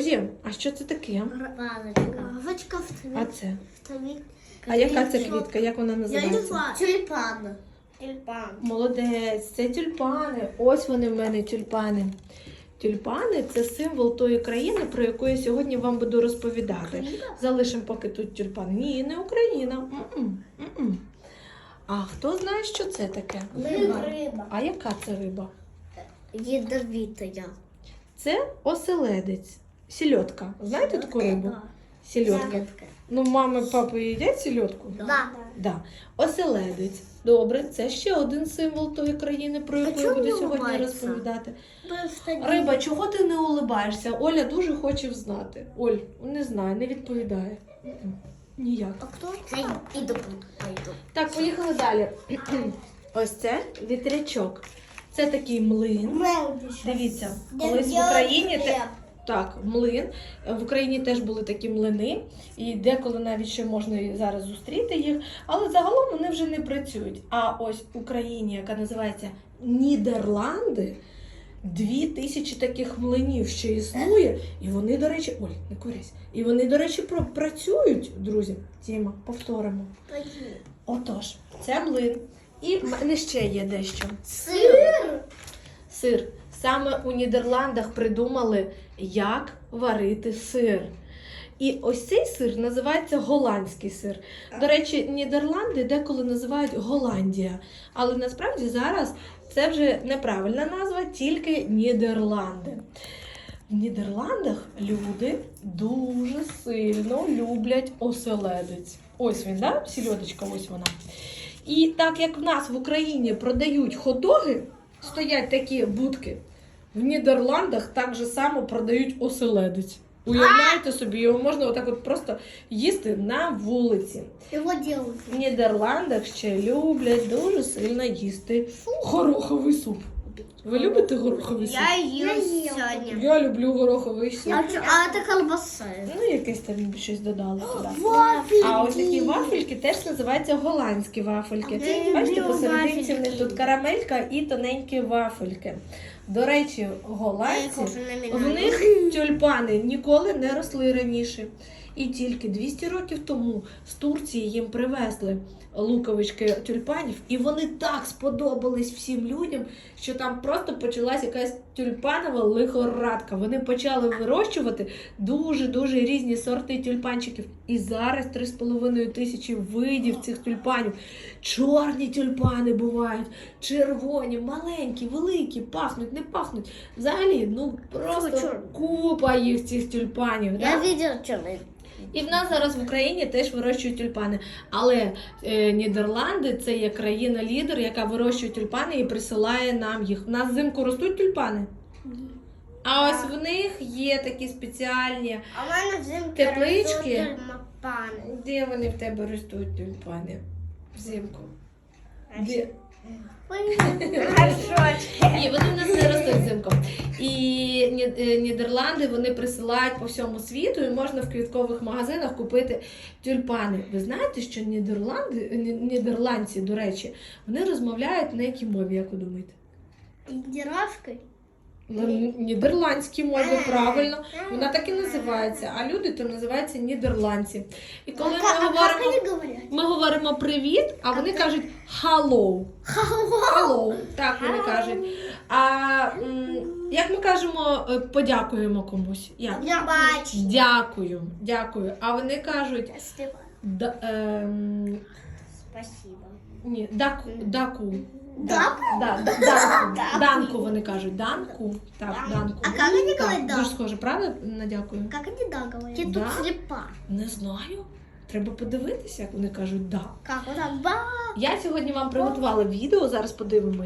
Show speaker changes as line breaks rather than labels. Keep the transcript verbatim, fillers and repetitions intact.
Друзі, а що це таке?
Вазочка. Вазочка в
А це?
твій.
А яка це квітка? Як вона
Я не
називається?
знаю. Тюльпан. Тюльпан.
Молодець, це тюльпани. Ось вони в мене тюльпани. Тюльпани – це символ тої країни, про яку я сьогодні вам буду розповідати. Залишимо поки тут тюльпан. Ні, не Україна. М-м, м-м. А хто знає, що це таке?
Риба. Риба.
А яка це риба?
Ядовитая.
Це оселедець. Сільотка. Знаєте таку рибу? Сільотка. Ну, мами, папи їдять сільотку?
Да.
Да. Оселедець. Добре, це ще один символ тої країни, про яку я
чому
буду
не
сьогодні
улыбається?
розповідати.
Просто
Риба, чого ти не улибаєшся? Оля дуже хоче знати. Оль, не знає, не відповідає. М-м, ніяк.
А кто? Я иду, пойду.
Так, поїхали далі. Ось це вітрячок. Це такий млин. Дивіться, колись в Україні те... так, млин. В Україні теж були такі млини, і деколи навіть ще можна і зараз зустріти їх, але загалом вони вже не працюють. А ось в Україні, яка називається Нідерланди, дві тисячі таких млинів ще існує, і вони, до речі, ой, не курись, і вони, до речі, про- працюють, друзі. Тіма, повторимо. Отож, це млин. І в мене ще є дещо.
Сыр.
Сир. Саме у Нідерландах придумали, як варити сир. І ось цей сир називається голландський сир. До речі, Нідерланди деколи називають Голландія. Але насправді зараз це вже неправильна назва, тільки Нідерланди. В Нідерландах люди дуже сильно люблять оселедець. Ось він, да? Сільодочка, ось вона. І так як в нас в Україні продають хот-доги, стоять такі будки, в Нідерландах так же само продають оселедець. Уявляєте собі, його можна отак от просто їсти на вулиці.
Его делают.
В Нідерландах ще люблять дуже сильно їсти гороховий суп. Ви любите гороховий суп?
Я ел сегодня.
Я люблю гороховий суп.
А, чё- а это колбаса.
Ну, якесь там щось додали туди.
Вафельки.
А ось такі вафельки теж називаються голландські вафельки.
А я
Бачите,
люблю
посерединці в них
вафельки.
тут карамелька і тоненькі вафельки. До речі, голландці, в них тюльпани ніколи не росли раніше. І тільки двісті років тому з Турції їм привезли луковички тюльпанів, і вони так сподобались всім людям, що там просто почалась якась тюльпанова лихорадка. Вони почали вирощувати дуже-дуже різні сорти тюльпанчиків. І зараз три з половиною тисячі видів цих тюльпанів. Чорні тюльпани бувають, червоні, маленькі, великі, пахнуть, не пахнуть. Взагалі, ну просто купа їх цих тюльпанів.
Я
Да?
видела черный.
І в нас зараз в Україні теж вирощують тюльпани. Але е, Нідерланди – це є країна-лідер, яка вирощує тюльпани і присилає нам їх. У нас взимку ростуть тюльпани? А ось в них є такі спеціальні.
А в мене взимку
Теплички?
ростуть тюльпани.
Де вони в тебе ростуть тюльпани? Взимку. Де? Ні, вони в нас не ростуть взимку. І Ні- е, Нідерланди вони присилають по всьому світу, і можна в квіткових магазинах купити тюльпани. Ви знаєте, що Нідерланди, ні- нідерландці, до речі, вони розмовляють на якій мові, як ви думаєте?
Индировкой?
На нідерландській мові, правильно. Вона так і називається, а люди то називаються нідерландці. І коли ми
Как
говоримо,
они говорят?
ми говоримо привіт, а вони кажуть hello. Hello, так вони кажуть. А м, як ми кажемо, е, подякуємо комусь? Як?
Я бачу.
Дякую, дякую. А вони кажуть
Спасибо.
да, ем,
Спасибо.
ні, даку, даку.
Даку?
Да, да, данку. Данку вони кажуть. Данку. Так, данку.
А как они
Так,
говорят
дуже
да?
схоже, правда? На дякую.
Как они да говорят? Я
Да.
тут слепа.
Не знаю. Треба подивитися, як вони кажуть да.
Как вот так? Ба.
Я сьогодні вам приготувала відео, зараз подивимося.